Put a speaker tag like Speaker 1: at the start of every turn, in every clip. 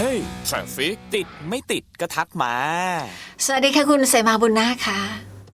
Speaker 1: ฮ้ย traffic ติดไม่ติดก็ทักมา
Speaker 2: สวัสดีค่ะคุณเสมาบุญนาคค่ะ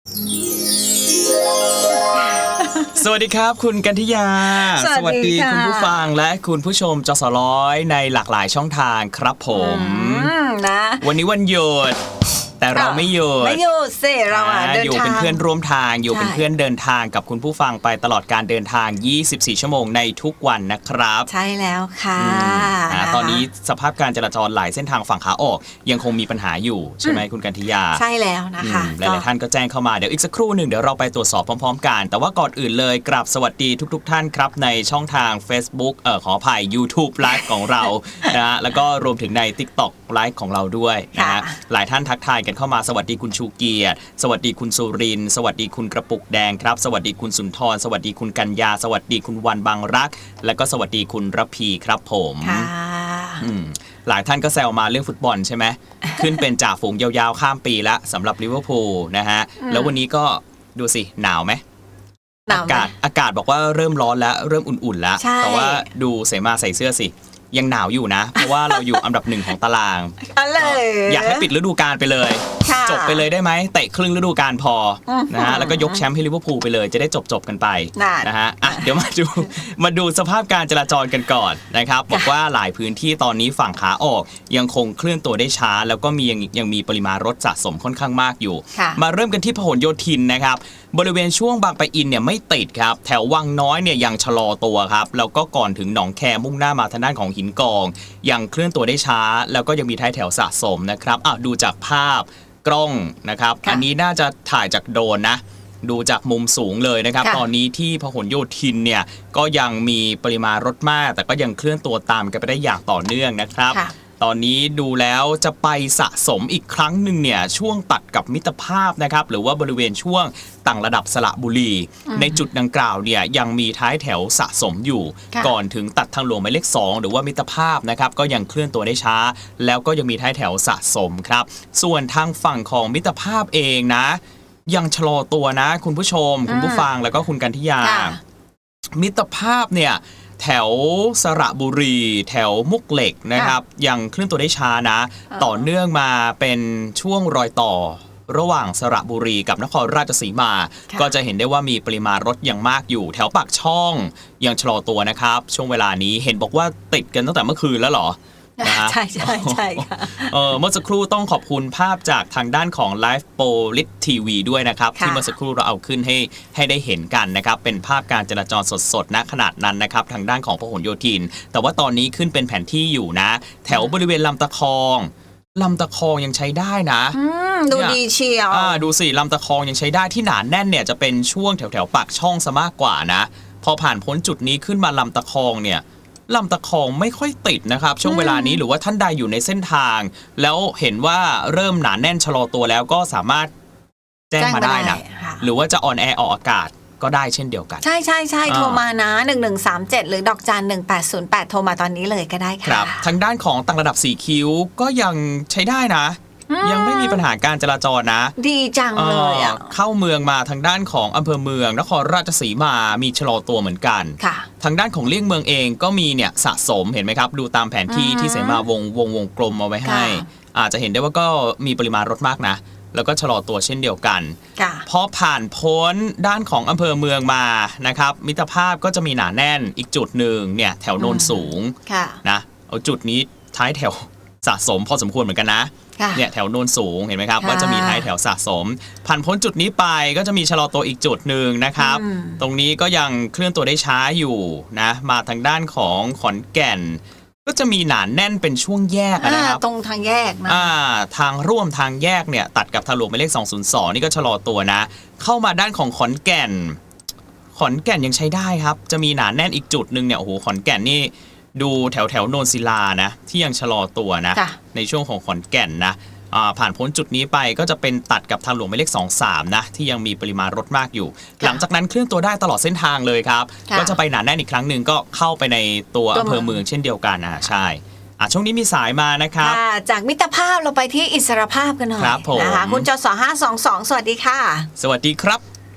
Speaker 1: สวัสดีครับคุณกันธิยาสวัสดีคุณผู้ฟังและคุณผู้ชมจสร้อยในหลากหลายช่องทางครับผม
Speaker 2: นะ
Speaker 1: วันนี้วันหยุดแต่เราไม่หยุด
Speaker 2: สิเราเดินทาง
Speaker 1: อยู่เป็นเพื่อนร่วมทางอยู่เป็นเพื่อนเดินทางกับคุณผู้ฟังไปตลอดการเดินทาง24ชั่วโมงในทุกวันนะครับ
Speaker 2: ใช่แล้วค่ะ
Speaker 1: ตอนนี้สภาพการจราจรหลายเส้นทางฝั่งขาออกยังคงมีปัญหาอยู่ใช่ไหมคุณกันธิยา
Speaker 2: ใช่แล้วนะคะ
Speaker 1: หลายๆท่านก็แจ้งเข้ามาเดี๋ยวอีกสักครู่หนึ่งเดี๋ยวเราไปตรวจสอบพร้อมๆกันแต่ว่าก่อนอื่นเลยกราบสวัสดีทุกๆท่านครับในช่องทาง Facebook ขออภัย YouTube Live ของเรานะแล้วก็รวมถึงใน TikTok Live ของเราด้วยนะฮะหลายท่านทักทายกันเข้ามาสวัสดีคุณชูเกียรติสวัสดีคุณสุรินทร์สวัสดีคุณกระปุกแดงครับสวัสดีคุณสุนทรสวัสดีคุณกัญญาสวัสดีคุณวันบางรักและก็สวัสดีคุณระพีครับผมหลายท่านก็แซวมาเรื่องฟุตบอลใช่ไหม ขึ้นเป็นจ่าฝูงยาวๆข้ามปีแล้วสำหรับลิเวอร์พูลนะฮะแล้ววันนี้ก็ดูสิหนาวไหมอากาศบอกว่าเริ่มร้อนแล้วเริ่มอุ่นๆแล้วแต่ว่าดูเสมาใส่เสื้อสิยังหนาวอยู่นะเพราะว่าเราอยู่อันดับ1ของตารางอยากให้ปิดฤดูกาลไปเลยจบไปเลยได้ไหมเตะครึ่งฤดูกาลพอนะฮะแล้วก็ยกแชมป์ให้ลิเวอร์พูลไปเลยจะได้จบกันไปนะฮะเดี๋ยวมาดูสภาพการจราจรกันก่อนนะครับบอกว่าหลายพื้นที่ตอนนี้ฝั่งขาออกยังคงเคลื่อนตัวได้ช้าแล้วก็ยังมีปริมาณรถสะสมค่อนข้างมากอยู่มาเริ่มกันที่พหลโยธินนะครับบริเวณช่วงบางปะอินเนี่ยไม่ติดครับแถววังน้อยเนี่ยยังชะลอตัวครับแล้วก็ก่อนถึงหนองแคมุ่งหน้ามาทางด้านของหินกองยังเคลื่อนตัวได้ช้าแล้วก็ยังมีท้ายแถวสะสมนะครับดูจากภาพกล้องนะครับอันนี้น่าจะถ่ายจากโดรนนะดูจากมุมสูงเลยนะครับตอนนี้ที่พหลโยธินเนี่ยก็ยังมีปริมาณรถมากแต่ก็ยังเคลื่อนตัวตามกันไปได้อย่างต่อเนื่องนะครับตอนนี้ดูแล้วจะไปสะสมอีกครั้งหนึ่งเนี่ยช่วงตัดกับมิตรภาพนะครับหรือว่าบริเวณช่วงต่างระดับสระบุรีในจุดดังกล่าวเนี่ยยังมีท้ายแถวสะสมอยู่ก่อนถึงตัดทางหลวงหมายเลข2หรือว่ามิตรภาพนะครับก็ยังเคลื่อนตัวได้ช้าแล้วก็ยังมีท้ายแถวสะสมครับส่วนทางฝั่งของมิตรภาพเองนะยังชะลอตัวนะคุณผู้ชมคุณผู้ฟังแล้วก็คุณกันธิยามิตรภาพเนี่ยแถวสระบุรีแถวมุกเหล็กนะครับยังเคลื่อนตัวได้ช้านะต่อเนื่องมาเป็นช่วงรอยต่อระหว่างสระบุรีกับนครราชสีมาก็จะเห็นได้ว่ามีปริมาณรถยังมากอยู่แถวปากช่องยังชะลอตัวนะครับช่วงเวลานี้เห็นบอกว่าติดกันตั้งแต่เมื่อคืนแล้วเหรอ
Speaker 2: ใช่ค่ะ
Speaker 1: เมื่อสักครู่ต้องขอบคุณภาพจากทางด้านของ Live Police TV ด้วยนะครับที่เมื่อสักครู่เราเอาขึ้นให้ได้เห็นกันนะครับเป็นภาพการจราจรสดๆณขนาดนั้นนะครับทางด้านของพหลโยธินแต่ว่าตอนนี้ขึ้นเป็นแผนที่อยู่นะแถวบริเวณลำตะคองยังใช้ได้นะ
Speaker 2: ดูดีเชียว
Speaker 1: ดูสิลำตะคองยังใช้ได้ที่หนาแน่นเนี่ยจะเป็นช่วงแถวปากช่องซะมากกว่านะพอผ่านพ้นจุดนี้ขึ้นมาลำตะคองเนี่ยลำตะคองไม่ค่อยติดนะครับช่วงเวลานี้หรือว่าท่านใดอยู่ในเส้นทางแล้วเห็นว่าเริ่มหนาแน่นชะลอตัวแล้วก็สามารถแจ้งมาได้นะหรือว่าจะออนแอร์ออกอากาศก็ได้เช่นเดียวกัน
Speaker 2: ใช่โทรมานะ1137หรือดอกจัน1808โทรมาตอนนี้เลยก็ได้ค่ะ
Speaker 1: ครับทางด้านของต่างระดับ4คิ้วก็ยังใช้ได้นะยังไม่มีปัญหาการจราจรนะ
Speaker 2: ดีจังเลย
Speaker 1: เข้าเมืองมาทางด้านของอำเภอเมืองนครราชสีมามีชะลอตัวเหมือนกันทางด้านของเลี่ยงเมืองเองก็มีเนี่ยสะสมเห็นไหมครับดูตามแผนที่ที่เสมาวงกลมเอาไว้ให้อาจจะเห็นได้ว่าก็มีปริมาณรถมากนะแล้วก็ชะลอตัวเช่นเดียวกันพอผ่านพ้นด้านของอำเภอเมืองมานะครับมิตรภาพก็จะมีหนาแน่นอีกจุดหนึ่งเนี่ยแถวโนนสูงนะเอาจุดนี้ท้ายแถวสะสมพอสมควรเหมือนกันนะเนี่ยแถวโนนสูงเห็นไหมครับว่าจะมีท้ายแถวสะสมผ่านพ้นจุดนี้ไปก็จะมีชะลอตัวอีกจุดหนึ่งนะครับตรงนี้ก็ยังเคลื่อนตัวได้ช้าอยู่นะมาทางด้านของขอนแก่นก็จะมีหนาแน่นเป็นช่วงแยกนะครับ
Speaker 2: ตรงทางแยกนะ
Speaker 1: ทางร่วมทางแยกเนี่ยตัดกับทางหลวงหมายเลข202นี่ก็ชะลอตัวนะเข้ามาด้านของขอนแก่นยังใช้ได้ครับจะมีหนาแน่นอีกจุดหนึ่งเนี่ยโอ้โหขอนแก่นนี่ดูแถวโนนศิลานะที่ยังชะลอตัวนะในช่วงของขอนแก่นนะผ่านพ้นจุดนี้ไปก็จะเป็นตัดกับทางหลวงหมายเลข23นะที่ยังมีปริมาณรถมากอยู่หลังจากนั้นเคลื่อนตัวได้ตลอดเส้นทางเลยครับก็จะไปหนาแน่นอีกครั้งหนึ่งก็เข้าไปในตัวอำเภอเมืองเช่นเดียวกันใช่ช่วงนี้มีสายมานะครับ
Speaker 2: จากมิตรภาพเราไปที่อิสรภาพกันหน่อยนะคะคุณจส522สวัสดีค่ะ
Speaker 1: สวัสดีครับ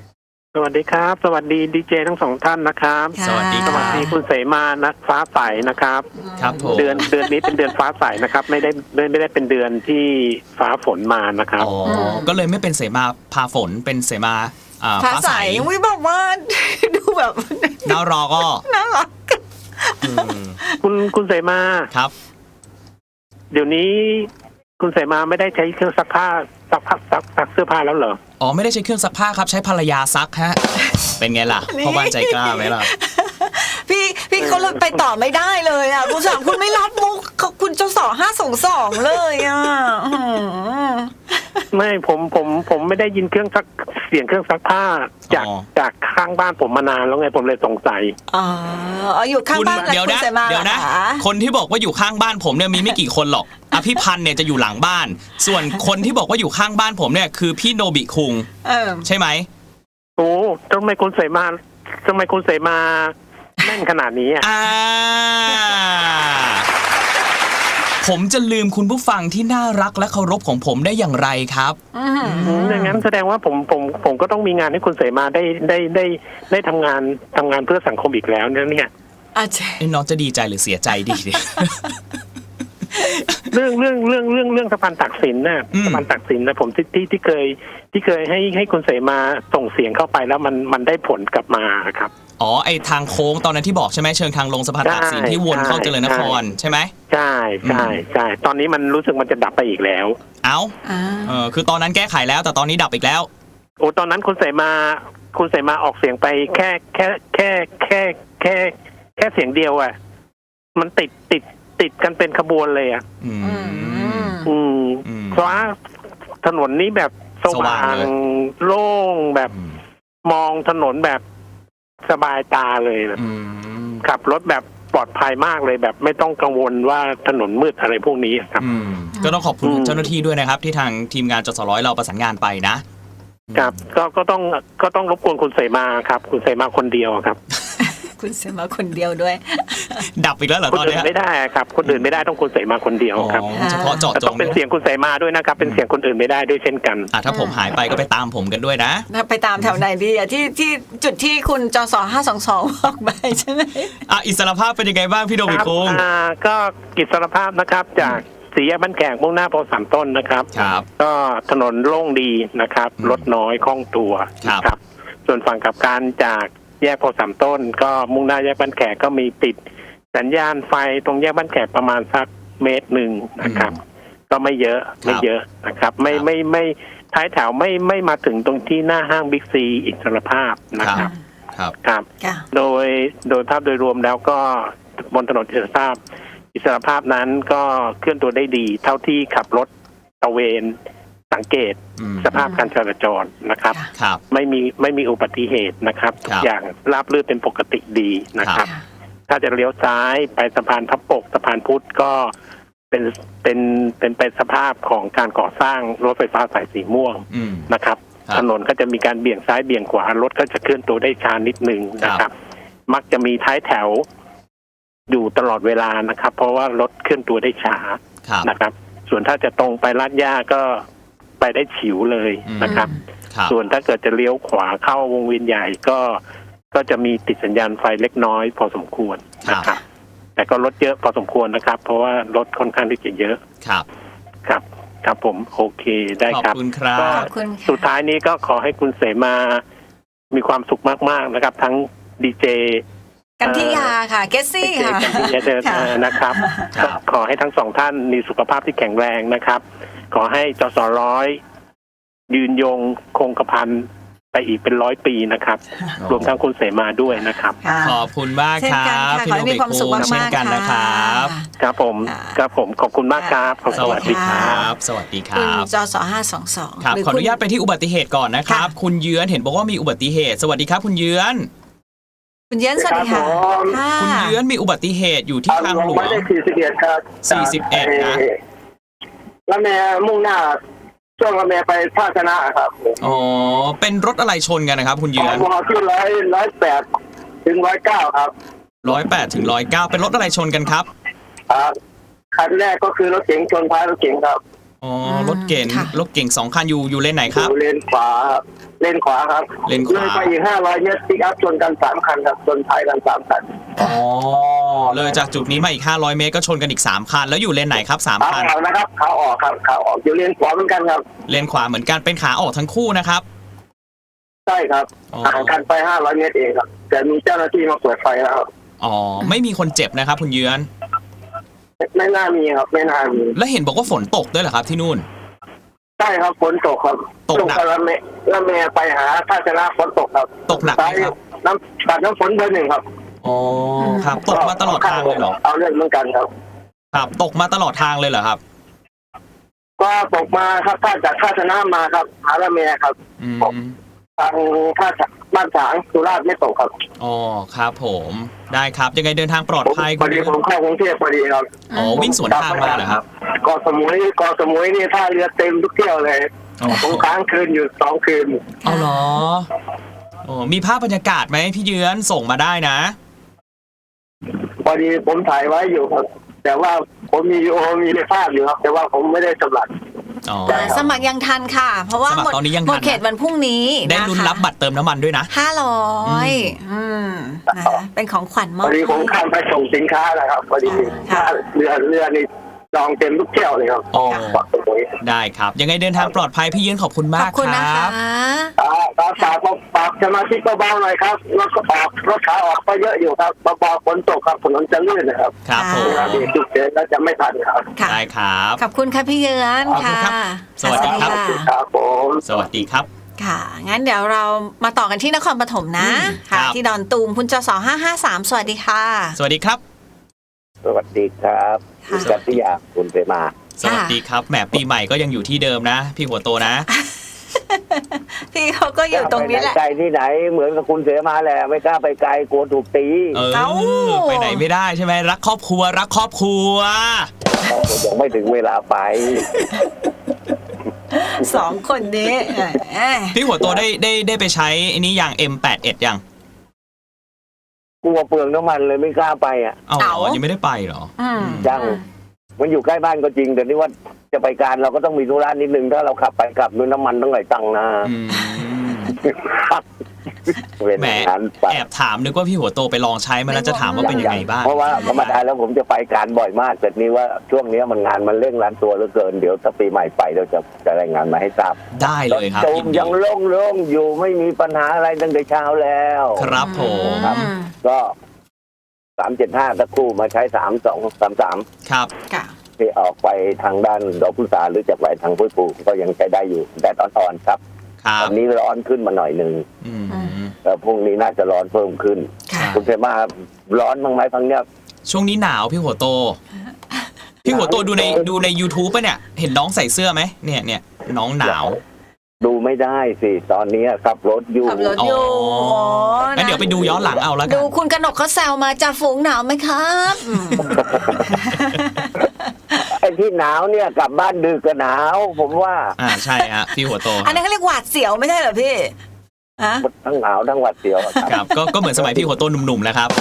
Speaker 3: สวัสดีครับสวัสดีดีเจทั้งสองท่านนะครับ
Speaker 2: ค่ะ
Speaker 1: สวัสดี
Speaker 3: สวัสดีคุณเสมานะฟ้าใสนะครับ
Speaker 1: ครับผม
Speaker 3: เดือนนี้เป็นเดือนฟ้าใสนะครับไม่ได้เป็นเดือนที่ฟ้าฝนมานะครับ
Speaker 1: อ๋อก็เลยไม่เป็นเสมาพาฝนเป็นเสมา
Speaker 2: ฟ้า
Speaker 1: ฟ้า
Speaker 2: ใส
Speaker 1: ใส
Speaker 2: อุ้ยบอกว่า ดูแบบ
Speaker 1: น่ารอก็
Speaker 2: น่ารัก
Speaker 1: อืม
Speaker 3: คุณเสมา
Speaker 1: ครับ
Speaker 3: เดี๋ยวนี้คุณเสมาไม่ได้ใช้เครื่องซักผ้าซักเสื้อผ้าแล้วเหรอ
Speaker 1: อ๋อไม่ได้ใช้เครื่องซักผ้าครับใช้ภรรยาซักฮะเป็นไงล่ะพ่อบ้านใจกล้าไหมล่ะ
Speaker 2: พี่เขาเลยไปต่อไม่ได้เลยอ่ะคุณสามคุณไม่รับมุกคุณเจ้า2 5 2 2เลยอ่ะ
Speaker 3: ไม่ผมไม่ได้ยินเสียงเครื่องซักผ้าจากข้างบ้านผมมานานแล้วไงผมเลยสงสัย
Speaker 2: อ๋ออยู่ข้างบ้าน
Speaker 1: เดี๋ยว
Speaker 2: คุณ
Speaker 1: นะ
Speaker 2: เสมา
Speaker 1: เดี๋ยวนะ
Speaker 2: เหรอค
Speaker 1: คนที่บอกว่าอยู่ข้างบ้านผมเนี่ยมีไม่กี่คนหรอกอภิพันธ์เนี่ยจะอยู่หลังบ้าน ส่วนคนที่บอกว่าอยู่ข้างบ้านผมเนี่ยคือพี่โนบิคุง ใช่ไหม
Speaker 3: โอ้ทำไมคุณเสมาแม่นขนาดนี้อ่ะ
Speaker 1: ผมจะลืมคุณผู้ฟังที่น่ารักและเคารพของผมได้อย่างไรครับ
Speaker 3: อย่างนั้นแสดงว่าผมก็ต้องมีงานให้คุณเสมาได้ทำงานเพื่อสังคมอีกแล้วเนี่ย
Speaker 2: อาจารย์
Speaker 1: น้องจะดีใจหรือเสียใจดีเนี่ย
Speaker 3: เรื่องสะพานตักสินน่ะ
Speaker 1: อืม
Speaker 3: สะพานตักสินนะผมที่เคยให้คุณเสมาส่งเสียงเข้าไปแล้วมันได้ผลกลับมาครับ
Speaker 1: อ๋อไอทางโค้งตอนนั้นที่บอกใช่ไหมเชิงทางลงสะพานตากสินที่วนเข้าเจริญนครใช่ไหม
Speaker 3: ใช่ตอนนี้มันรู้สึกมันจะดับไปอีกแล้ว
Speaker 1: เอ้าคือตอนนั้นแก้ไขแล้วแต่ตอนนี้ดับอีกแล้ว
Speaker 3: โอ้ตอนนั้นคุณเสมาออกเสียงไปแค่เสียงเดียวอ่ะมันติดกันเป็นขบวนเลยอ่ะเพราะว่าถนนนี้แบบสว่างโล่งแบบมองถนนแบบสบายตาเลยแบบขับรถแบบปลอดภัยมากเลยแบบไม่ต้องกังวลว่าถนนมืดอะไรพวกนี้ครับ
Speaker 1: ก็ต้องขอบคุณเจ้าหน้าที่ด้วยนะครับ ที่ทางทีมงานจสร้อยเราประสานงานไปนะครับ
Speaker 3: ก็ต้องรบกวนคุณเสมาครับคุณเสมาคนเดียวครับ
Speaker 2: คุณเสมาคนเดียวด้วย
Speaker 1: ดับอีกแล้วเหรอ
Speaker 3: คน
Speaker 1: ตอน
Speaker 3: อื่
Speaker 1: นี้
Speaker 3: นไม่ได้ครับคนอื่นไม่ได้ต้องคุณเสมาคนเดียวครับ
Speaker 1: เฉพาะเจาะจ
Speaker 3: ต้อง งเป็นเสียงคุณเสมาด้วยนะครับเป็นเสียงคนอื่นไม่ได้ด้วยเช่นกัน
Speaker 1: ถ้าผมหายไปก็ไปตามผมกันด้วยนะ
Speaker 2: ไปตามแถวไหนดีอ่ะที่จุดที่คุณจ2 5 2 2บอกไปใช่ไหม
Speaker 1: อิสรภาพเป็นยังไงบ้างพี่โดมิคุง
Speaker 3: ก็กิจสารภาพนะครับจากสี่แยกบ้านแขกมุ่งหน้าโพสามต้นนะครับ
Speaker 1: ครับ
Speaker 3: ก็ถนนโล่งดีนะครับรถน้อยคล่องตัว
Speaker 1: ครับ
Speaker 3: นะครับ ส่วนฝั่งกลับการจากแยกโพสามต้น ก็มุ่งหน้าแยกบ้านแขกก็มีติดสัญญาณไฟตรงแยกบ้านแขกประมาณสัก1 เมตรนะครับ ก็ไม่เยอะนะครับ ไม่ท้ายแถวไม่มาถึงตรงที่หน้าห้างบิ๊กซีอิสรภาพนะครับ ครับ โดยภาพโดยรวมแล้วก็บนถนนอิสรภาพนั้นก็เคลื่อนตัวได้ดี เท่าที่ขับรถตระเวนสังเกตสภาพการจราจรนะครับ
Speaker 1: ครับ
Speaker 3: ไม่มีอุบัติเหตุนะครับทุกอย่างราบรื่นเป็นปกติดีนะครับ ถ้าจะเลี้ยวซ้ายไปสะพานพระปกสะพานพุทธก็เป็นไปสภาพของการก่อสร้างรถไฟฟ้าสายสีม่วงนะครับ ถนนก็จะมีการเบี่ยงซ้ายเบี่ยงขวารถก็จะเคลื่อนตัวได้ช้านิดนึงนะครับ มักจะมีท้ายแถวอยู่ตลอดเวลานะครับ เพราะว่ารถเคลื่อนตัวได้ช้านะครับ ส่วนถ้าจะตรงไปลาดย่าก็ไปได้ฉิวเลยนะครับ ส่วนถ้าเกิดจะเลี้ยวขวาเข้าวงเวียนใหญ่ก็จะมีติดสัญญาณไฟเล็กน้อยพอสมควรนะครับ แต่ก็รถเยอะพอสมควรนะครับ เพราะว่ารถค่อนข้างที่จะเยอะครับผมโอเคได้ครับ
Speaker 1: ขอบคุณครับ
Speaker 3: ก็สุดท้ายนี้ก็ขอให้คุณเสมามีความสุขมากๆนะครับ ทั้งดีเจ
Speaker 2: กันทิยาค่ะเกสซี่ค่ะ
Speaker 3: กันทิยานะครับก็ขอให้ทั้งสองท่านมีสุขภาพที่แข็งแรงนะครับ ขอให้จสร้อยยืนยงคงกระพันไปอีกเป็น100 ปีนะครับ รวมทั้งคุณเสมาด้วยนะครับ
Speaker 1: ขอบคุณมากครับพี่โนบิคุงเช่นกันนะครับ
Speaker 3: ครับผมขอบคุณมากครับ
Speaker 1: สวัสดีครับสวัสดีค
Speaker 2: คุณ
Speaker 1: รับ
Speaker 2: จ2 5 2 2
Speaker 1: ครับขออนุญาตไปที่อุบัติเหตุก่อนนะครับ คุณเยือนเห็นบอกว่ามีอุบัติเหตุสวัสดีครับคุณเยือน
Speaker 2: คุณเยือนสวัสดีค่ะ
Speaker 1: คุณเยือนมีอุบัติเหตุอยู่ที่ทางหลวง
Speaker 4: ไม่ได้41ครับ
Speaker 1: 41นะ
Speaker 4: ละแมมุ่งหน้าช่วงละแมไปท่าชนะครับ
Speaker 1: อ๋อเป็นรถอะไรชนกันนะครับคุณเยือน
Speaker 4: มอที่108 ถึง 109ครับ
Speaker 1: 108 ถึง 109เป็นรถอะไรชนกันครับ
Speaker 4: ครับคันแรกก็คือรถเก๋งชนท้ายรถเก๋งครับ
Speaker 1: อ๋อรถเก๋ง
Speaker 2: ค่ะ
Speaker 1: รถเก๋ง2 คันอยู่เลนไหนครับ
Speaker 4: อยู่เลนขวาครับ
Speaker 1: เลนขวา
Speaker 4: เลยไปอีก500 เมตรปิกอัพชนกัน3 คันครับชนท้ายกัน3 คัน
Speaker 1: อ๋อเลยจากจุดนี้มาอีก500 เมตรก็ชนกันอีก3 คันแล้วอยู่เลนไหนครับ3
Speaker 4: ขา
Speaker 1: คัน
Speaker 4: ออกนะครับขาออกครับขาออกอยู่เลนขวาเหมือนกันครับ
Speaker 1: เลนขวาเหมือนกันเป็นขาออกทั้งคู่นะครับ
Speaker 4: ใช่ครับ
Speaker 1: อ๋อ
Speaker 4: ห่างกันไป500 เมตรเองครับแต่มีเจ้าหน้าที่มาเปิดไฟแล้วครับ
Speaker 1: อ๋อไม่มีคนเจ็บนะครับคุณเยือน
Speaker 4: ไม่น่ามีครับไม่น่ามี
Speaker 1: แล้วเห็นบอกว่าฝนตกด้วยเหรอครับที่นู่น
Speaker 4: ใช่ครับฝนตกครับ
Speaker 1: ตกหนัก
Speaker 4: ช่วงละเมไปหาท่าชนะฝนตกครับ
Speaker 1: ตกหนักไหมครับ
Speaker 4: ตัดน้ำฝนเบอร์ 1ครับ
Speaker 1: อ๋อครับตกมาตลอดทางเลยเหรอ
Speaker 4: เอาเรื่องเหมือนกันครับ
Speaker 1: ครับตกมาตลอดทางเลยเหรอครับ
Speaker 4: ก็ตกมาครับถ้าจากท่าชนะมาครับหาละเมครับ
Speaker 1: อืม
Speaker 4: ทางท่าบ้านฉางสุราษฎร์ไม่ตกครับ
Speaker 1: อ๋อครับผมได้ครับยังไงเดินทางปลอดภัย
Speaker 4: พอดีผมเข้ากรุงเทพพอดีครับ
Speaker 1: อ๋อวิ่งสวนทางมาเหรอครับ
Speaker 4: เกาะสมุยนี่ท่าเรือเต็มทุกเที่ยวเลย
Speaker 1: อ๋อ
Speaker 4: ผมค้างคืนอยู่2 คืน
Speaker 1: เอาเหรอโอ้มีภาพบรรยากาศไหมพี่เยือนส่งมาได้นะ
Speaker 4: พอดีผมถ่ายไว้อยู่ครับ แต่ว่าผมมีภาพอยู่ครับ แต่ว่าผมไม่ได้สำลัก
Speaker 1: อ๋อ
Speaker 2: สมัครยังทันค่ะ เพราะว่า
Speaker 1: สมัครตอนนี้ยังทัน
Speaker 2: หมดเขตวันพรุ่งนี้
Speaker 1: ได้ลุ้นรับบัตรเติมน้ำมันด้วยนะ
Speaker 2: 500นะคะเป็นของขวัญม
Speaker 4: พ
Speaker 2: อบ
Speaker 4: อดีผมข้ามไปส่งสินค้านะครับพอดี
Speaker 2: ค่ะ
Speaker 4: เรือนี่จองเต็มทุกเที่ยวเลยครับ
Speaker 1: อ๋อ
Speaker 4: เกาะสมุย
Speaker 1: ได้ครับ ยังไงเดินทางปลอดภัยพี่เยือนขอบคุณ
Speaker 2: ข
Speaker 1: มา
Speaker 2: อก บคุณ
Speaker 1: ค
Speaker 2: นะ
Speaker 1: รั
Speaker 2: คะ
Speaker 1: บ
Speaker 4: ฝากสมาชิกเบาๆหน่อยครับรถขาออกก็เยอะอยู่ครับเบาๆฝนตกครับถนนจะลื่นนะครับ
Speaker 1: ครับผม
Speaker 4: เวลาเบรกจุดเดินแล้วจะไม่ทันครับ
Speaker 2: ค่ะ
Speaker 1: ได้ครับ
Speaker 2: ขอบคุณค่ะพี่เยือน
Speaker 1: ขอบคุณ
Speaker 2: ค่ะ
Speaker 1: ครับสวัสดีครับ
Speaker 2: ค่ะ
Speaker 4: ครับผม
Speaker 1: สวัสดีครับ
Speaker 2: ค่ะ งั้นเดี๋ยวเรามาต่อกันที่นครปฐมนะ
Speaker 1: ครั
Speaker 2: ค่ะ
Speaker 1: บ
Speaker 2: ที่ดอนตูมคุณจส553สวัสดีค่ะ
Speaker 1: สวัสดีครับ
Speaker 5: สวัสดีครับ
Speaker 2: ค่ะ
Speaker 5: คุณกัตติยาคุณเสมา
Speaker 1: สวัสดีครับแหมปีใหม่ก็ยังอยู่ที่เดิมนะ พี่หัวโตนะ
Speaker 2: พี่เขาก็อยู่ตรงนี้แหละ
Speaker 5: ไกลที่ไหนเหมือนกับคุณเสมาแหละไม่กล้าไปไกลกลัวถูกตี
Speaker 1: เออ
Speaker 2: เอ้า
Speaker 1: ไปไหนไม่ได้ใช่ไหมรักครอบครัวรักครอบครัว
Speaker 5: ยังไม่ถึงเวลาไป
Speaker 2: 2 คนนี้แหม
Speaker 1: พี่หัวโตได้ไปใช้อันนี้อย่าง M81 ยัง
Speaker 5: กลัวเปลืองน้ำมันเลยไม่กล้าไปอ่ะ
Speaker 1: เอาเหรอยังไม่ได้ไปเหรอ
Speaker 2: อืม
Speaker 5: ยัง มันอยู่ใกล้บ้านก็จริงแต่นี่ว่าจะไปการเราก็ต้องมีธุระนิดนึงถ้าเราขับไปกลับด้วยน้ำมันต้องไหลตังค์นะ
Speaker 1: อืม
Speaker 5: เป็น
Speaker 1: แหม
Speaker 5: งานไป
Speaker 1: แอบถามนึกว่าพี่หัวโตไปลองใช้มาแล้วจะถามว่าเป็นยังไงบ้าง
Speaker 5: เพราะว่าธรรมดาแล้วผมจะไปการบ่อยมากแต่นี่ว่าช่วงนี้มันงานมันเร่งรัดตัวเหลือเกินเดี๋ยวถ้าปีใหม่ไปเราจะรายงานมาให้ทราบ
Speaker 1: ได้เลยครับ
Speaker 5: ตูม
Speaker 1: ยินดี
Speaker 5: ยังโล่งๆอยู่ไม่มีปัญหาอะไรตั้งแต่เช้าแล้ว
Speaker 1: ครับผม
Speaker 5: ครับ ก็375สักครู่มาใช้3233
Speaker 1: ครับ
Speaker 2: ค่ะ
Speaker 5: ที่ออกไปทางด้านดอกพุษาหรือจากไปทางพุทธภูก็ยังใช้ได้อยู่แดดอ่อนๆครับ
Speaker 1: ครับ
Speaker 5: วันนี้ร้อนขึ้นมาหน่อยหนึ่ง
Speaker 1: อืม
Speaker 5: แล้วพรุ่งนี้น่าจะร้อนเพิ่มขึ้น
Speaker 2: ค่ะ
Speaker 5: คุณเสมาร้อนบ้างไหมพังเนี้ย
Speaker 1: ช่วงนี้หนาวพี่หัวโต พี่หัวโตดูใน YouTube ป่ะเนี่ย เห็นน้องใส่เสื้อไหมเนี่ยน้องหนาว
Speaker 5: ดูไม่ได้สิตอนนี้ขับรถอยู่
Speaker 2: ขับรถอยู่
Speaker 1: งั้นเดี๋ยวไปดูย้อนหลังเอาแล้วกั
Speaker 2: ดู
Speaker 1: น
Speaker 2: คุณกนกเขาแซวมาจ่าฝูงหนาวไหมครับอืม
Speaker 5: ไอ้ที่หนาวเนี่ยกลับบ้านดึกก็หนาวผมว่า
Speaker 1: ใช่ฮะพี่หัวโต
Speaker 2: อันนั้นเขาเรียกหวาดเสียวไม่ใช่เหรอพี่อะ
Speaker 5: ทั้งหนาวทั้งหวัดเสียวอะครับ
Speaker 1: ครับก็เหมือนสมัยพี่หัวโตหนุ่มๆแล้วครับ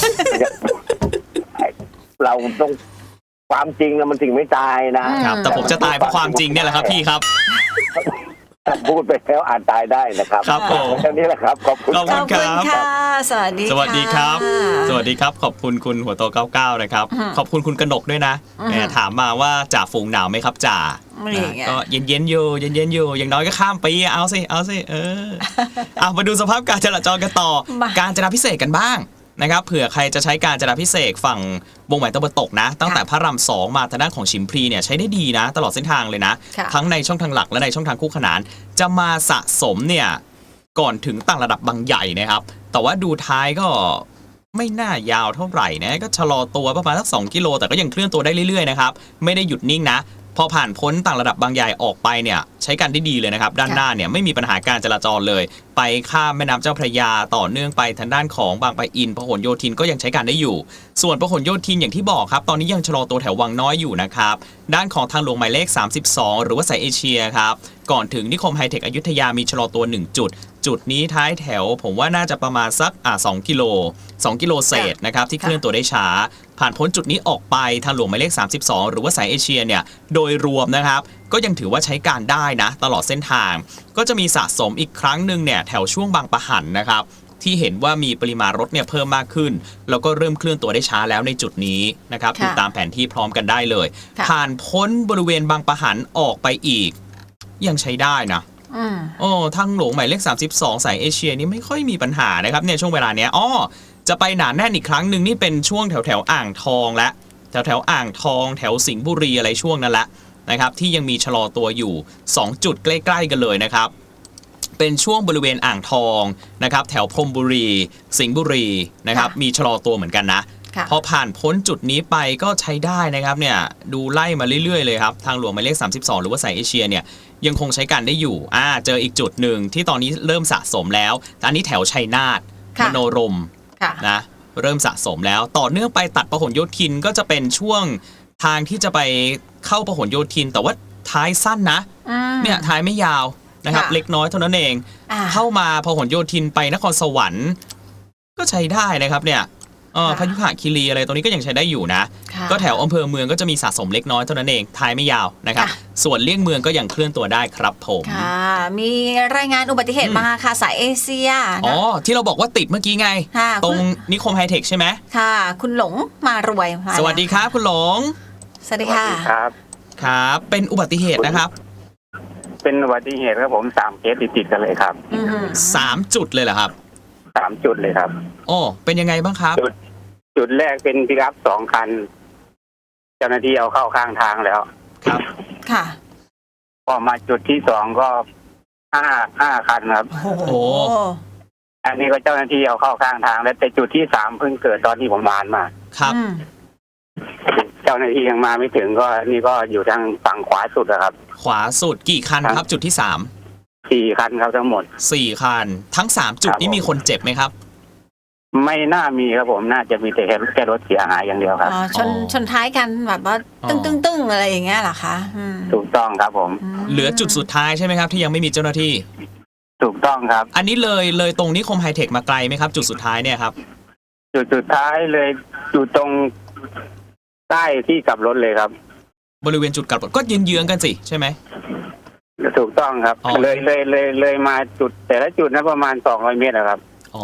Speaker 5: เราต้องความจริงนะมันสิ่งไม่ตายนะครับ
Speaker 1: แต่ผมจะตายเพราะความจริงเนี่ยแหละครับพี่ครับ
Speaker 5: พูดไปแล้วอาจตายได้นะครับ
Speaker 1: ครับผม
Speaker 5: แค่นี้แหละครับขอบคุณ
Speaker 1: ขอบ
Speaker 2: ข
Speaker 1: คุ
Speaker 2: อ
Speaker 1: ณ
Speaker 2: บคุณค่ะ สวัสดี
Speaker 1: สวัสดีครับ
Speaker 2: ะ
Speaker 1: สวัสดีครับ ขอบคุณคุณหัวโต 99 นะครับ ขอบคุณคุณกนกด้วยนะแหมถามมาว่าจ่าฝูงหนาวไหมครับจ่า
Speaker 2: อะไรอย่างเงี้ย
Speaker 1: ก็เย็นๆอยู่อย่างน้อยก็ข้ามปีเอาสิเอามาดูสภาพการจราจรกันต่อ
Speaker 2: มา
Speaker 1: การจราพิเศษกันบ้างนะครับเผื่อใครจะใช้การจราพิเศษฝั่งวงแหวนตะวันตกนะ ตั้งแต่พระราม2มาทางด้านของชิมพลีเนี่ยใช้ได้ดีนะ ตลอดเส้นทางเลยนะ
Speaker 2: ค่ะ
Speaker 1: ทั้งในช่องทางหลักและในช่องทางคู่ขนาน จะมาสะสมเนี่ยก่อนถึงต่างระดับบางใหญ่นะครับ แต่ว่าดูท้ายก็ไม่น่ายาวเท่าไหร่นะก็ชะลอตัวประมาณสัก2 กิโลแต่ก็ยังเคลื่อนตัวได้เรื่อยๆนะครับไม่ได้หยุดนิ่งนะ พอผ่านพ้นต่างระดับบางใหญ่ออกไปเนี่ยใช้การได้ดีเลยนะครับด้านหน้าเนี่ยไม่มีปัญหาการจราจรเลย ไปข้ามแม่น้ำเจ้าพระยาต่อเนื่องไปทางด้านของบางปะอินพหลโยธินก็ยังใช้การได้อยู่ ส่วนพหลโยธินอย่างที่บอกครับตอนนี้ยังชะลอตัวแถววังน้อยอยู่นะครับด้านของทางหลวงหมายเลข32หรือว่าสายเอเชียครับก่อนถึงนิคมไฮเทคอยุธยามีชะลอตัว1จุดจุดนี้ท้ายแถวผมว่าน่าจะประมาณสัก2 กิโลเศษนะครับที่เคลื่อนตัวได้ช้าผ่านพ้นจุดนี้ออกไปทางหลวงหมายเลข32หรือว่าสายเอเชียเนี่ยโดยรวมนะครับก็ยังถือว่าใช้การได้นะตลอดเส้นทางก็จะมีสะสมอีกครั้งหนึ่งเนี่ยแถวช่วงบางปะหันนะครับที่เห็นว่ามีปริมาณรถเนี่ยเพิ่มมากขึ้นแล้วก็เริ่มเคลื่อนตัวได้ช้าแล้วในจุดนี้นะครับดูตามแผนที่พร้อมกันได้เลยผ่านพ้นบริเวณบางปะหันออกไปอีกยังใช้ได้นะทางหลวงหมายเลข32สายเอเชียนี่ไม่ค่อยมีปัญหานะครับเนี่ยช่วงเวลาเนี้ยจะไปหนาแน่นอีกครั้งหนึ่งนี่เป็นช่วงแถวอ่างทองและแถวอ่างทองแถวสิงห์บุรีอะไรช่วงนั้นแหละนะครับที่ยังมีชะลอตัวอยู่2จุดใกล้ๆกันเลยนะครับเป็นช่วงบริเวณอ่างทองนะครับแถวพรหมบุรีสิงห์บุรีนะครับมีชะลอตัวเหมือนกันนะพอผ่านพ้นจุดนี้ไปก็ใช้ได้นะครับเนี่ยดูไล่มาเรื่อยๆเลยครับทางหลวงหมายเลข32หรือว่าสายเอเชียเนี่ยยังคงใช้การได้อยู่เจออีกจุดหนึ่งที่ตอนนี้เริ่มสะสมแล้วอันนี้แถวชัยนาทมโนรมนะเริ่มสะสมแล้วต่อเนื่องไปตัดพหลโยธินก็จะเป็นช่วงทางที่จะไปเข้าพหลโยธินแต่ว่าท้ายสั้นนะเนี่ยท้ายไม่ยาวนะครับเล็กน้อยเท่านั้นเองเข้ามาพหลโยธินไปนครสวรรค์ก็ใช้ได้นะครับเนี่ยพยุหคีรีอะไรตรงนี้ก็ยังใช้ได้อยู่นะก็แถวอำเภอเมืองก็จะมีสะสมเล็กน้อยเท่านั้นเองท้ายไม่ยาวนะครับส่วนเลี่ยงเมืองก็ยังเคลื่อนตัวได้ครับผม
Speaker 2: มีรายงานอุบัติเหตุมาค่ะสายเอเชีย
Speaker 1: ที่เราบอกว่าติดเมื่อกี้ไงตรงนิคมไฮเทคใช่ไหม
Speaker 2: ค่ะคุณหลงมารวย
Speaker 1: สวัสดีครับคุณหลง
Speaker 2: สวัสดีค่ะ
Speaker 1: ครับเป็นอุบัติเหตุนะครับ
Speaker 5: เป็นอุบัติเหตุครับผม3เคสติดกันเลยครับ
Speaker 1: 3 จุดเลยเหรอครับ
Speaker 5: 3 จุดเลยครับ
Speaker 1: เป็นยังไงบ้างครับ
Speaker 5: จุดแรกเป็นปิกอัพ2 คันเจ้าหน้าที่เอาเข้าข้างทางแล้ว
Speaker 1: ครับ
Speaker 2: ค่ะ
Speaker 5: พอมาจุดที่2ก็5 คันครับ
Speaker 1: โอ้
Speaker 5: อันนี้ก็เจ้าหน้าที่เอาเข้าข้างทางแล้วแต่จุดที่3เพิ่งเกิดตอนที่ผมผ่านมา
Speaker 1: ครับ
Speaker 5: เจ้าหน้าที่ยังมาไม่ถึงก็นี่ก็อยู่ทางฝั่งขวาสุดครับ
Speaker 1: ขวาสุดกี่คันครับจุดที่
Speaker 5: 4 คันครับทั้งหมด
Speaker 1: 4 คันทั้ง3จุดนี้มีคนเจ็บไหมครับ
Speaker 5: ไม่น่ามีครับผมน่าจะมีแต่แค่รถเสียหายอย่างเดียวครับ
Speaker 2: ชนท้ายกันแบบว่าตึ้งอะไรอย่างเงี้ยเหรอคะ
Speaker 5: ถูกต้องครับผม
Speaker 1: เหลือจุดสุดท้ายใช่ไหมครับที่ยังไม่มีเจ้าหน้าที่
Speaker 5: ถูกต้องครับ
Speaker 1: อันนี้เลยตรงนิคมไฮเทคมาไกลไหมครับจุดสุดท้ายเนี่ยครับ
Speaker 5: จุดสุดท้ายเลยอยู่ตรงใต้ที่กลับรถเลยครับ
Speaker 1: บริเวณจุดกลับรถก็เยื้องๆกันสิใช่ไหม
Speaker 5: ถูกต้องครับเลยมาจุดแต่ละจุดนั้นประมาณ200 เมตรครับ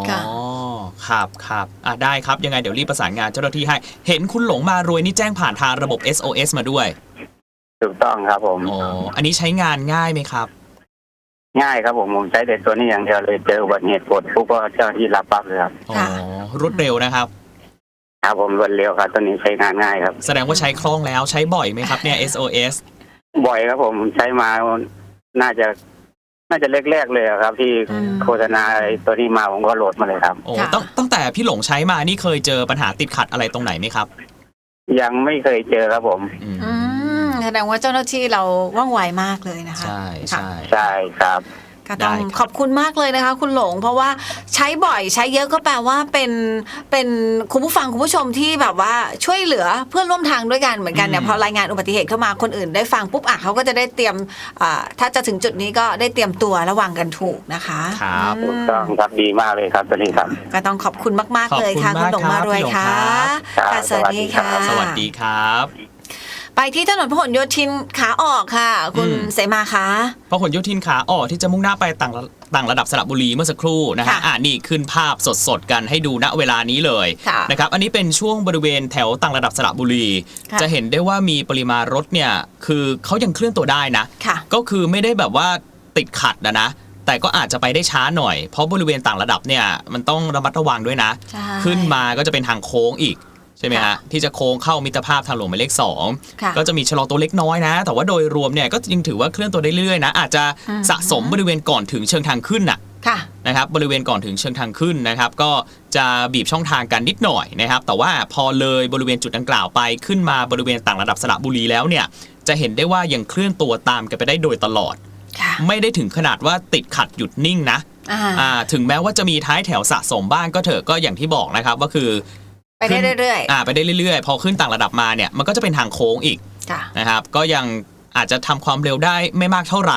Speaker 1: ครับได้ครับยังไงเดี๋ยวรีบประสานงานเจ้าหน้าที่ให้เห็นคุณหลงมารวยนี่แจ้งผ่านทางระบบ SOS มาด้วย
Speaker 5: ถูกต้องครับผม
Speaker 1: อันนี้ใช้งานง่ายไหมครับ
Speaker 5: ง่ายครับผมใช้แต่ตัวนี้อย่างเดียวเลยเจออุบัติเหตุกดปุ๊บก็เจ้าหน้าที่รับปั๊บเลยครับ
Speaker 1: รวดเร็วนะครับ
Speaker 5: ครับผมรวดเร็วครับตัวนี้ใช้งานง่ายครับ
Speaker 1: แสดงว่าใช้คล่องแล้วใช้บ่อยไหมครับเนี่ย SOS
Speaker 5: บ่อยครับผมใช้มาน่าจะแรกๆเลยครับที่โฆษณาตัวนี้มาผมก็โหลดมาเลยครับ
Speaker 1: ตั้งแต่พี่หลงใช้มานี่เคยเจอปัญหาติดขัดอะไรตรงไหนไหมครับ
Speaker 5: ยังไม่เคยเจอครับผม
Speaker 2: แสดงว่าเจ้าหน้าที่เราว่องไวมากเลยนะคะ
Speaker 1: ใ
Speaker 5: ช่ครับ
Speaker 2: ก็ต้องขอบคุณมากเลยนะคะคุณหลงเพราะว่าใช้บ่อยใช้เยอะก็แปลว่าเป็นคุณผู้ฟังคุณผู้ชมที่แบบว่าช่วยเหลือเพื่อนร่วมทางด้วยกันเหมือนกันเนี่ยพอรายงานอุบัติเหตุเข้ามาคนอื่นได้ฟังปุ๊บเขาก็จะได้เตรียมถ้าจะถึงจุดนี้ก็ได้เตรียมตัวระวังกันถูกนะคะ
Speaker 1: ครับ
Speaker 5: ถูกต้องครับดีมากเลยครับตอนนี้ครับ
Speaker 2: ก็ต้องขอบคุณมากๆเลยค่ะคุณหลงมารวยค่ะสวัสดีค่ะ
Speaker 1: สวัสดีครับ
Speaker 2: ไปที่ถนนพหลโยธินขาออกค่ะคุณเสมาคะ
Speaker 1: พหลโยธินขาออกที่จะมุ่งหน้าไปต่างระดับสระบุรีเมื่อสักครู่นะฮะนี่ขึ้นภาพสดๆกันให้ดูณเวลานี้เลยนะครับอันนี้เป็นช่วงบริเวณแถวต่างระดับสระบุรีจะเห็นได้ว่ามีปริมาณรถเนี่ยคือเขายังเคลื่อนตัวได้นะก็คือไม่ได้แบบว่าติดขัดนะแต่ก็อาจจะไปได้ช้าหน่อยเพราะบริเวณต่างระดับเนี่ยมันต้องระมัดระวังด้วยนะขึ้นมาก็จะเป็นทางโค้งอีกใช่ไหมฮะที่จะโค้งเข้ามิตรภาพทางหลวงหมายเลข2ก็จะมีชะลอตัวเล็กน้อยนะแต่ว่าโดยรวมเนี่ยก็ยังถือว่าเคลื่อนตัวได้เรื่อยๆนะอาจจะสะสมบริเวณก่อนถึงเชิงทางขึ้นนะครับบริเวณก่อนถึงเชิงทางขึ้นนะครับก็จะบีบช่องทางกันนิดหน่อยนะครับแต่ว่าพอเลยบริเวณจุดดังกล่าวไปขึ้นมาบริเวณต่างระดับสระบุรีแล้วเนี่ยจะเห็นได้ว่ายังเคลื่อนตัวตามกันไปได้โดยตลอดไม่ได้ถึงขนาดว่าติดขัดหยุดนิ่งนะถึงแม้ว่าจะมีท้ายแถวสะสมบ้างก็เถอะก็อย่างที่บอกนะครับว่าคือ
Speaker 2: ไปได้เรื่อย
Speaker 1: ๆไปได้เรื่อยๆพอขึ้นต่างระดับมาเนี่ยมันก็จะเป็นทางโค้งอีกนะครับก็ยังอาจจะทำความเร็วได้ไม่มากเท่าไหร่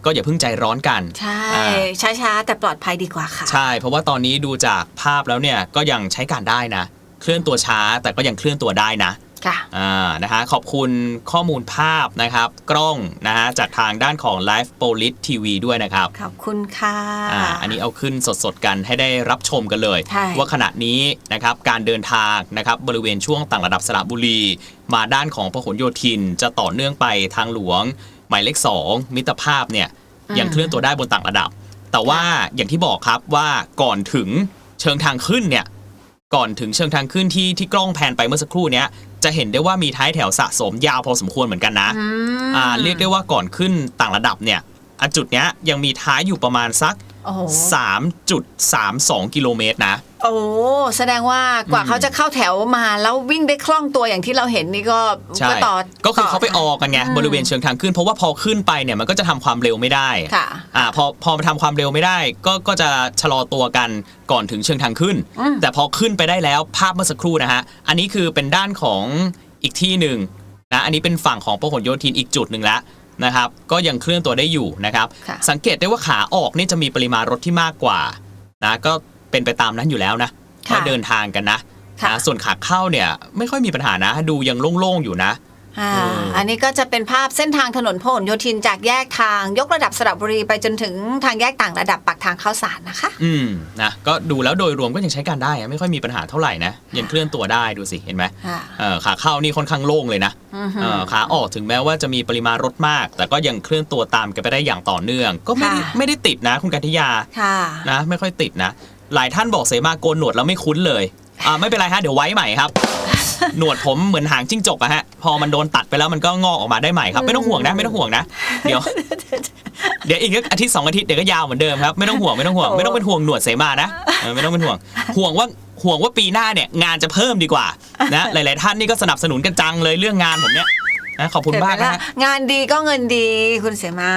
Speaker 1: ก็อย่าเพิ่งใจร้อนกัน
Speaker 2: ใช่ช้าๆแต่ปลอดภัยดีกว่าค่ะ
Speaker 1: ใช่เพราะว่าตอนนี้ดูจากภาพแล้วเนี่ยก็ยังใช้การได้นะเคลื่อนตัวช้าแต่ก็ยังเคลื่อนตัวได้นะ
Speaker 2: ค่ะ
Speaker 1: นะคะขอบคุณข้อมูลภาพนะครับกล้องนะฮะจากทางด้านของ Live Police TV ด้วยนะครับ
Speaker 2: ขอบคุณค่ะ
Speaker 1: อันนี้เอาขึ้นสดๆกันให้ได้รับชมกันเลยว่าขณะนี้นะครับการเดินทางนะครับบริเวณช่วงต่างระดับสระบุรีมาด้านของพหลโยธินจะต่อเนื่องไปทางหลวงหมายเลข2มิตรภาพเนี่ยยังเคลื่อนตัวได้บนต่างระดับแต่ว่าอย่างที่บอกครับว่าก่อนถึงเชิงทางขึ้นเนี่ยก่อนถึงเชิงทางขึ้นที่กล้องแพนไปเมื่อสักครู่เนี้ยจะเห็นได้ว่ามีท้ายแถวสะสมยาวพอสมควรเหมือนกันนะเรียกได้ว่าก่อนขึ้นต่างระดับเนี่ยจุดเนี้ยยังมีท้ายอยู่ประมาณสัก 3.32 กิโลเมตรนะ
Speaker 2: โอ้แสดงว่ากว่าเขาจะเข้าแถวมาแล้ววิ่งได้คล่องตัวอย่างที่เราเห็นนี่ก็ต่อ
Speaker 1: ก็คือเขาไปออกกันไงบริเวณเชิงทางขึ้นเพราะว่าพอขึ้นไปเนี่ยมันก็จะทำความเร็วไม่ได้พอมาทำความเร็วไม่ได้ก็จะชะลอตัวกันก่อนถึงเชิงทางขึ้นแต่พอขึ้นไปได้แล้วภาพเมื่อสักครู่นะฮะอันนี้คือเป็นด้านของอีกที่หนึ่งนะอันนี้เป็นฝั่งของพหลโยธินอีกจุดหนึ่งแล้วนะครับก็ยังเคลื่อนตัวได้อยู่นะครับสังเกตได้ว่าขาออกนี่จะมีปริมาณรถที่มากกว่านะก็เป็นไปตามนั้นอยู่แล้วนะว่าเดินทางกันนะส่วนขาเข้าเนี่ยไม่ค่อยมีปัญหานะดูยังโล่งๆอยู่นะ
Speaker 2: อันนี้ก็จะเป็นภาพเส้นทางถนนพหลโยธินจากแยกทางยกระดับสระบุรีไปจนถึงทางแยกต่างระดับปากทางเข้าสารนะคะ
Speaker 1: นะก็ดูแล้วโดยรวมก็ยังใช้การได้ไม่ค่อยมีปัญหาเท่าไหร่นะยังเคลื่อนตัวได้ดูสิเห็นไหมขาเข้านี่ค่อนข้างโล่งเลยนะขาออกถึงแม้ว่าจะมีปริมาณรถมากแต่ก็ยังเคลื่อนตัวตามกันไปได้อย่างต่อเนื่องก็ไม่ได้ติดนะคุณกัญญานะไม่ค่อยติดนะหลายท่านบอกเสมาโกนหนวดแล้วไม่คุ้นเลยไม่เป็นไรฮะเดี๋ยวไว้ใหม่ครับหนวดผมเหมือนหางจิ้งจกอะฮะพอมันโดนตัดไปแล้วมันก็งอกออกมาได้ใหม่ครับไม่ต้องห่วงนะไม่ต้องห่วงนะเดี๋ยวอีกอาทิตย์2 อาทิตย์เดี๋ยวก็ยาวเหมือนเดิมครับไม่ต้องห่วงไม่ต้องเป็นห่วงหนวดเสมานะไม่ต้องเป็นห่วงว่าปีหน้าเนี่ยงานจะเพิ่มดีกว่านะหลายๆท่านนี่ก็สนับสนุนกันจังเลยเรื่องงานผมเนี่ยนะขอบคุณมากนะ
Speaker 2: งานดีก็เงินดีคุณเสมา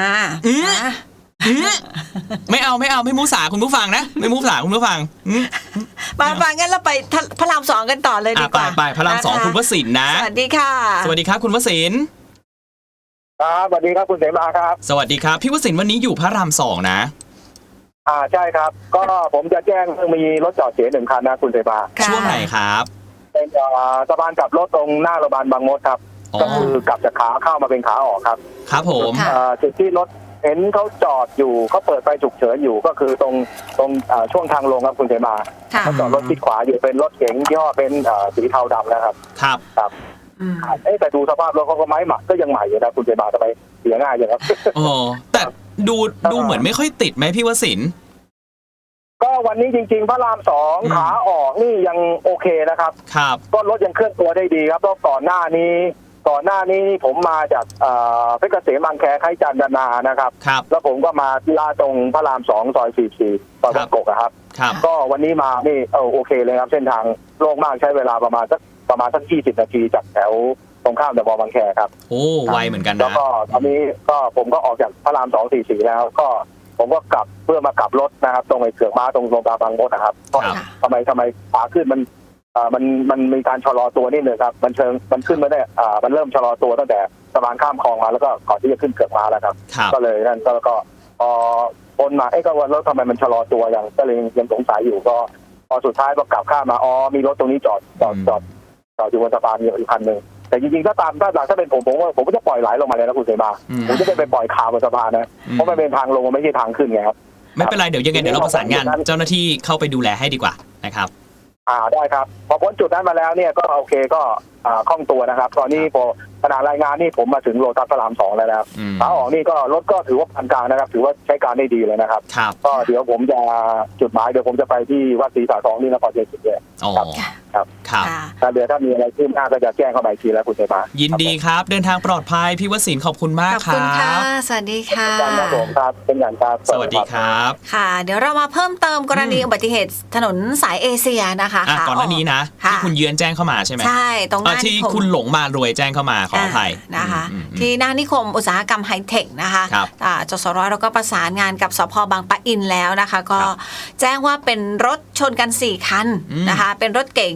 Speaker 1: ไม่เอาไม่มุสาคุณผู้ฟังนะไม่มุสาคุณผู้ฟัง
Speaker 2: ฟังงั้นเราไปพระราม2กันต่อเลยดีกว่า
Speaker 1: ไปพระราม2คุณวสินทร์นะ
Speaker 2: สวัสดีค่ะ
Speaker 1: สวัสดีครับคุณวสินทร์
Speaker 4: ครับสวัสดีครับคุณเสมาครับ
Speaker 1: สวัสดีครับพี่วสินทร์วันนี้อยู่พระราม2นะ
Speaker 4: ใช่ครับก็ผมจะแจ้งมีรถจอดเสีย1 คันนะคุณเสมา
Speaker 1: ช่วงไหนครับ
Speaker 4: เป็นสะพานกลับรถตรงหน้าโรงพยาบาลบางมดครับก็คือกลับจากขาเข้ามาเป็นขาออกครับ
Speaker 1: ครับผม
Speaker 4: จุดที่รถเห็นเขาจอดอยู่เขาเปิดไฟฉุกเฉินอยู่ก็คือตรงช่วงทางลงครับคุณเสมาเขาจอดรถชิดขวาอยู่เป็นรถเก๋งยี่ห้อเป็นสีเทาดำนะครับ
Speaker 1: ครับ
Speaker 4: แต่ดูสภาพรถเขาก็ไม่หมักก็ยังใหม่อยู่นะคุณเสมาทำไมเสียง่ายอย่างครับ
Speaker 1: แต่ดูเหมือนไม่ค่อยติดไหมพี่วสินทร์
Speaker 4: ก็วันนี้จริงๆพระราม2ขาออกนี่ยังโอเคนะครับก็รถยังเคลื่อนตัวได้ดีครับเพราะก่อนหน้านี้ผมมาจากเพชรเกษมบางแคไคจันทนานะครับแล้วผมก็มาที่ลาดตรงพระราม2 ซอย 44 ซอยบางกอกครับก็วันนี้มานี่โอเคเลยครับเส้นทางโล่งมากใช้เวลาประมาณสัก20 นาทีจากแถวตรงข้ามเดอะมอลล์บางแคครับ
Speaker 1: โอ้ไวเหมือนกันนะ
Speaker 4: แล้วก็ตอนนี้ก็ผมก็ออกจากพระราม2 44แล้วก็ผมก็กลับเพื่อมากลับรถนะครับตรงไอ้เสือกม้าตรงโรงพยาบาลบางมดนะครับทำไมขาขึ้นมันมีการชะลอตัวนิดนึงครับมันขึ้นมาได้มันเริ่มชะลอตัวตั้งแต่สะพานข้ามคลองมาแล้วก็ก่อนที่จะขึ้นเกือกม้าแล้วครับก็เลยนั่นก็พ้นมาก็ว่ารถทำไมมันชะลอตัวอย่างก็เลยยังสงสัยอยู่ก็พอสุดท้ายก็กลับข้ามมามีรถตรงนี้จอดอยู่บนสะพานอยู่อีกคันนึงแต่จริงๆถ้าเป็นผมว่าผมก็จะปล่อยไหลลงมาเลยนะคุณเสมาผมจะไปปล่อยข่าวบนสะพานนะเพราะมันเป็นทางลงมันไม่ใช่ทางขึ้นไงครับ
Speaker 1: ไม่เป็นไรเดี๋ยวยังไงเดี๋ยวเราประสานงานเจ้าหน้าที่เข้าไปดูแลให้ดีกว่านะครับ
Speaker 4: ได้ครับพอพ้นจุดนั้นมาแล้วเนี่ยก็โอเคก็คล่องตัวนะครับตอนนี้พอขณะรายงานนี่ผมมาถึงโลตัสพระราม2แล้วนะครับขาออกนี่ก็รถก็ถือว่าปานกลางนะครับถือว่าใช้การได้ดีเลยนะครับก็เดี๋ยวผมจะจุดหมายเดี๋ยวผมจะไปที่วัดศรีสาทองนี่นครเชียงใหม่ครับเดี๋ยวถ้ามีอะไรขึ้นหน้าก็จะแจ้งเข้าไปทีแล้วคุณเสมา
Speaker 1: ยินดีครับเดินทางปลอดภัยพี่วสินทร์ขอบคุณมากครับขอบคุณค่ะ
Speaker 2: สวัสดีค่ะ
Speaker 4: ครับเป็นอย่างครับ
Speaker 1: สวัสดีครับ
Speaker 2: ค่ะเดี๋ยวเรามาเพิ่มเติมกรณีอุบัติเหตุถนนสายเอเชียนะคะ
Speaker 1: ก่อนหน้านี้นะที่คุณเยือนแจ้งเข้ามาใช่ไหม
Speaker 2: ใช่ตรงนั้น
Speaker 1: ที่คุณหลงมารวยแจ้งเข้ามาขออภัย
Speaker 2: นะคะที่หน้านิคมอุตสาหกรรมไฮเทคนะคะจสร.เราก็ประสานงานกับสภ.บางปะอินแล้วนะคะก็แจ้งว่าเป็นรถชนกัน4 คันนะคะเป็นรถเก๋ง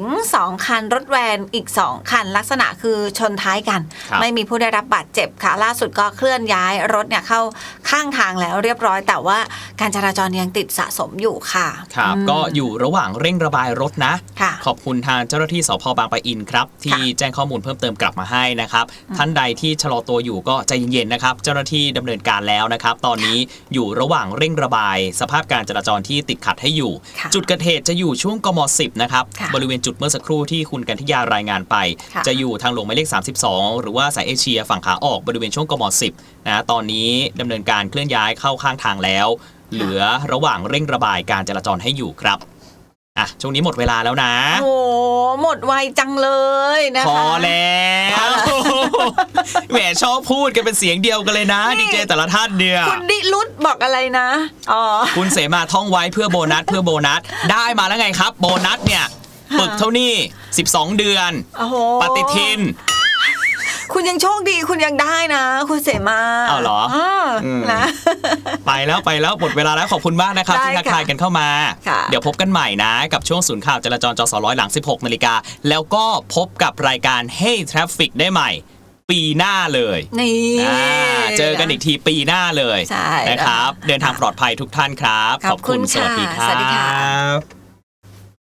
Speaker 2: 2 คันรถแวนอีก 2 คันลักษณะคือชนท้ายกัน
Speaker 1: ครับ
Speaker 2: ไม่มีผู้ได้รับบาดเจ็บค่ะล่าสุดก็เคลื่อนย้ายรถเนี่ยเข้าข้างทางแล้วเรียบร้อยแต่ว่าการจราจรยังติดสะสมอยู่ค่ะ
Speaker 1: ครับก็อยู่ระหว่างเร่งระบายรถนะ
Speaker 2: ค่ะ
Speaker 1: ขอบคุณทางเจ้าหน้าที่สพบางปะอินครับที่แจ้งข้อมูลเพิ่มเติมกลับมาให้นะครับท่านใดที่ชะลอตัวอยู่ก็ใจเย็นๆนะครับเจ้าหน้าที่ดำเนินการแล้วนะครับตอนนี้อยู่ระหว่างเร่งระบายสภาพการจราจรที่ติดขัดให้อยู่
Speaker 2: ค่ะ
Speaker 1: จุดเกิดเหตุจะอยู่ช่วงกม 10นะครับ
Speaker 2: ค่ะ
Speaker 1: บริเวณจุดเมื่อสักครู่ที่คุณกันทิยารายงานไป
Speaker 2: ค่ะ
Speaker 1: จะอยู่ทางหลวงหมายเลข32หรือว่าสายเอเชียฝั่งขาออกบริเวณช่วงกม 10นะตอนนี้ดำเนินการเคลื่อนย้ายเข้าข้างทางแล้ว เหลือระหว่างเร่งระบายการจราจรให้อยู่ครับอ่ะช่วงนี้หมดเวลาแล้วนะ
Speaker 2: โอ้หมดไวจังเลยนะคะ
Speaker 1: พอแล้วแหมชอบพูดกันเป็นเสียงเดียวกันเลยนะ
Speaker 2: นี่
Speaker 1: ดีเจแต่ละท่านเนี่ย
Speaker 2: คุณดิลุดบอกอะไรนะอ๋อ
Speaker 1: คุณเสมาท่องไว้เพื่อโบนัสเพื่อโบนัสได้มาแล้วไงครับ โบนัสเนี่ยปึกเท่านี้12 เดือน
Speaker 2: โอ้โห
Speaker 1: ปฏิทิน
Speaker 2: คุณยังโชคดีคุณยังได้นะ คุณเสมา
Speaker 1: อ้าวเหรออืม
Speaker 2: นะ
Speaker 1: ไปแล้วหมดเวลาแล้วขอบคุณมากนะครับ
Speaker 2: ได้
Speaker 1: ที่ทักทายกันเข้ามา
Speaker 2: ค่ะ
Speaker 1: เดี๋ยวพบกันใหม่นะ กับช่วงศูนย์ข่าวจราจรจสร้อยหลัง 16 นาฬิกาแล้วก็พบกับรายการ Hey Traffic ได้ใหม่ ปีหน้าเลย
Speaker 2: นี่
Speaker 1: เจอกันอีกทีปีหน้าเลย
Speaker 2: ใช่
Speaker 1: นะครับ เดินทางปลอดภัยทุกท่านครับ
Speaker 2: ขอบคุณ
Speaker 1: สวัสดีค
Speaker 2: ค่ะ
Speaker 1: รั
Speaker 2: สวัสดีค่ะ
Speaker 1: บ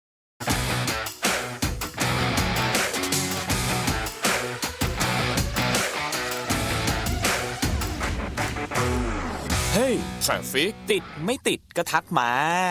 Speaker 1: เฮ้ย Traffic ติดไม่ติดก็ทักมา